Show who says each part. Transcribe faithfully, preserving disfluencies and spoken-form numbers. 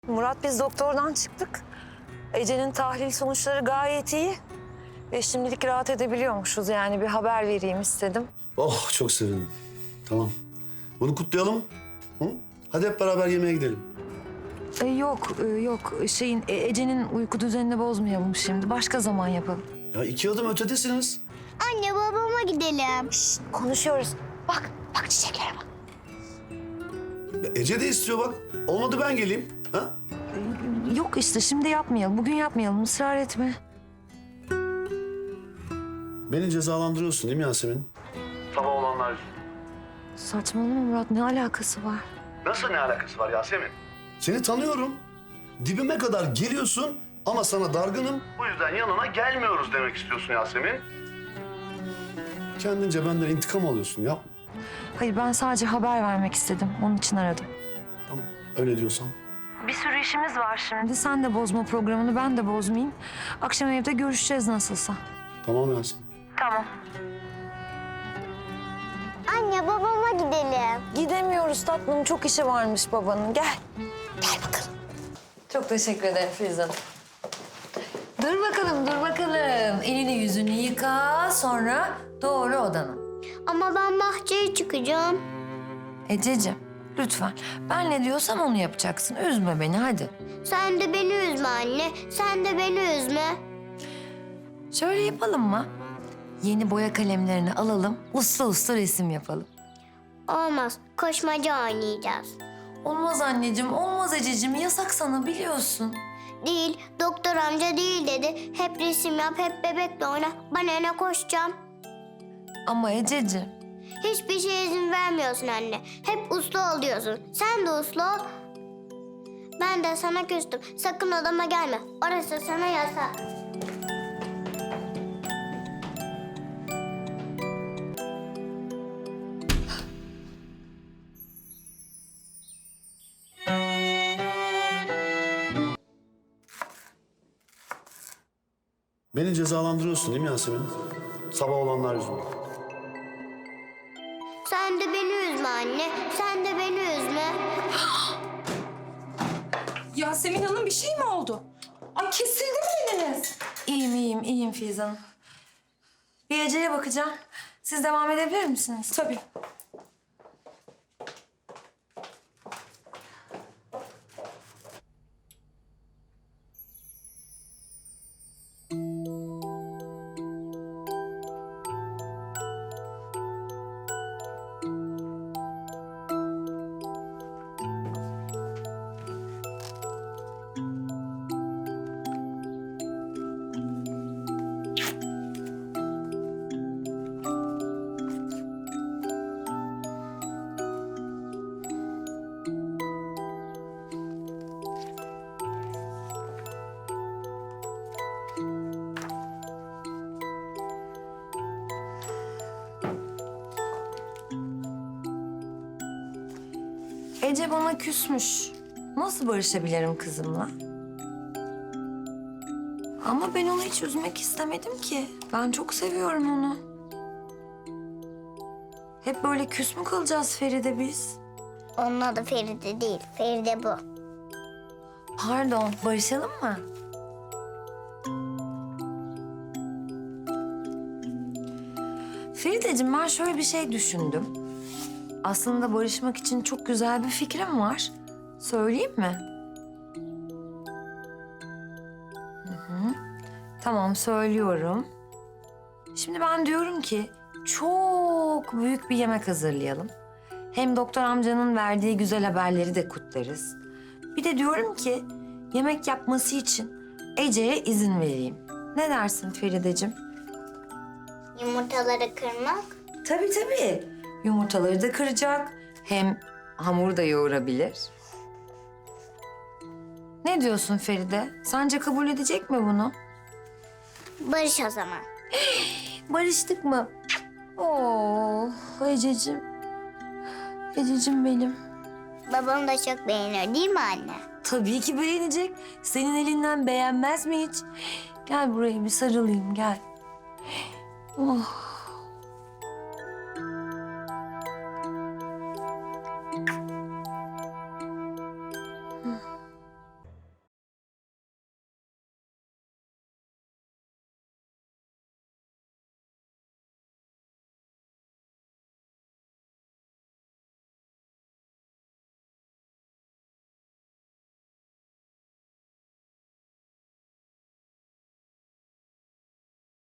Speaker 1: Murat, biz doktordan çıktık. Ece'nin tahlil sonuçları gayet iyi. Ve şimdilik rahat edebiliyormuşuz, yani bir haber vereyim istedim.
Speaker 2: Oh, çok sevindim. Tamam. Bunu kutlayalım. Hı? Hadi hep beraber yemeğe gidelim.
Speaker 1: E, yok, e, yok. Şeyin, e, Ece'nin uyku düzenini bozmayalım şimdi. Başka zaman yapalım.
Speaker 2: Ya iki adım ötedesiniz.
Speaker 3: Anne babama gidelim.
Speaker 1: Şişt, konuşuyoruz. Bak, bak çiçeklere bak.
Speaker 2: Ya Ece de istiyor bak. Olmadı ben geleyim. Ha?
Speaker 1: E, yok işte, şimdi yapmayalım. Bugün yapmayalım, ısrar etme.
Speaker 2: Beni cezalandırıyorsun değil mi Yasemin? Sabah olanlar.
Speaker 1: Saçmalama Murat, ne alakası var?
Speaker 2: Nasıl ne alakası var Yasemin? Seni tanıyorum. Dibime kadar geliyorsun ama sana dargınım. Bu yüzden yanına gelmiyoruz demek istiyorsun Yasemin. Kendince benden intikam alıyorsun, yapma.
Speaker 1: Hayır, ben sadece haber vermek istedim. Onun için aradım.
Speaker 2: Tamam, öyle diyorsan.
Speaker 1: Bir sürü işimiz var şimdi. Sen de bozma programını, ben de bozmayayım. Akşam evde görüşeceğiz nasılsa.
Speaker 2: Tamam Yasemin.
Speaker 1: Tamam.
Speaker 3: Anne babama gidelim.
Speaker 1: Gidemiyoruz tatlım. Çok işi varmış babanın. Gel. Gel bakalım. Çok teşekkür ederim Filiz Hanım. Dur bakalım, dur bakalım. Elini yüzünü yıka, sonra doğru odana.
Speaker 3: Ama ben bahçeye çıkacağım.
Speaker 1: Ececiğim, lütfen. Ben ne diyorsam onu yapacaksın. Üzme beni, hadi.
Speaker 3: Sen de beni üzme anne. Sen de beni üzme.
Speaker 1: Şöyle yapalım mı? Yeni boya kalemlerini alalım, uslu uslu resim yapalım.
Speaker 3: Olmaz. Koşmaca oynayacağız.
Speaker 1: Olmaz anneciğim, olmaz Ececiğim. Yasak sana, biliyorsun.
Speaker 3: Değil. Doktor amca değil dedi. Hep resim yap, hep bebekle oyna. Ben öne koşacağım.
Speaker 1: Ama Ececiğim.
Speaker 3: Hiçbir şeye izin vermiyorsun anne. Hep uslu ol diyorsun. Sen de uslu ol. Ben de sana küstüm. Sakın odama gelme. Orası sana yasak.
Speaker 2: Beni cezalandırıyorsun değil mi Yasemin? Sabah olanlar yüzünden.
Speaker 3: Sen de beni üzme anne. Sen de beni üzme.
Speaker 4: Yasemin Hanım, bir şey mi oldu? Ay, kesildi mi eliniz?
Speaker 1: İyiyim, iyiyim, iyiyim Filiz Hanım. Bir Ece'ye bakacağım. Siz devam edebilir misiniz?
Speaker 4: Tabii.
Speaker 1: Ece bana küsmüş. Nasıl barışabilirim kızımla? Ama ben onu hiç üzmek istemedim ki. Ben çok seviyorum onu. Hep böyle küs mü kalacağız Feride biz?
Speaker 3: Onun adı Feride değil. Feride bu.
Speaker 1: Pardon, barışalım mı? Ferideciğim, ben şöyle bir şey düşündüm. Aslında barışmak için çok güzel bir fikrim var. Söyleyeyim mi? Hı hı. Tamam, söylüyorum. Şimdi ben diyorum ki çok büyük bir yemek hazırlayalım. Hem doktor amcanın verdiği güzel haberleri de kutlarız. Bir de diyorum ki yemek yapması için Ece'ye izin vereyim. Ne dersin Ferideciğim?
Speaker 3: Yumurtaları kırmak.
Speaker 1: Tabii tabii. Yumurtaları da kıracak. Hem hamur da yoğurabilir. Ne diyorsun Feride? Sence kabul edecek mi bunu?
Speaker 3: Barış o zaman.
Speaker 1: Barıştık mı? Oo, Ececiğim. Ececiğim benim.
Speaker 3: Babam da çok beğenir değil mi anne?
Speaker 1: Tabii ki beğenecek. Senin elinden beğenmez mi hiç? Gel buraya bir sarılayım, gel. Oh.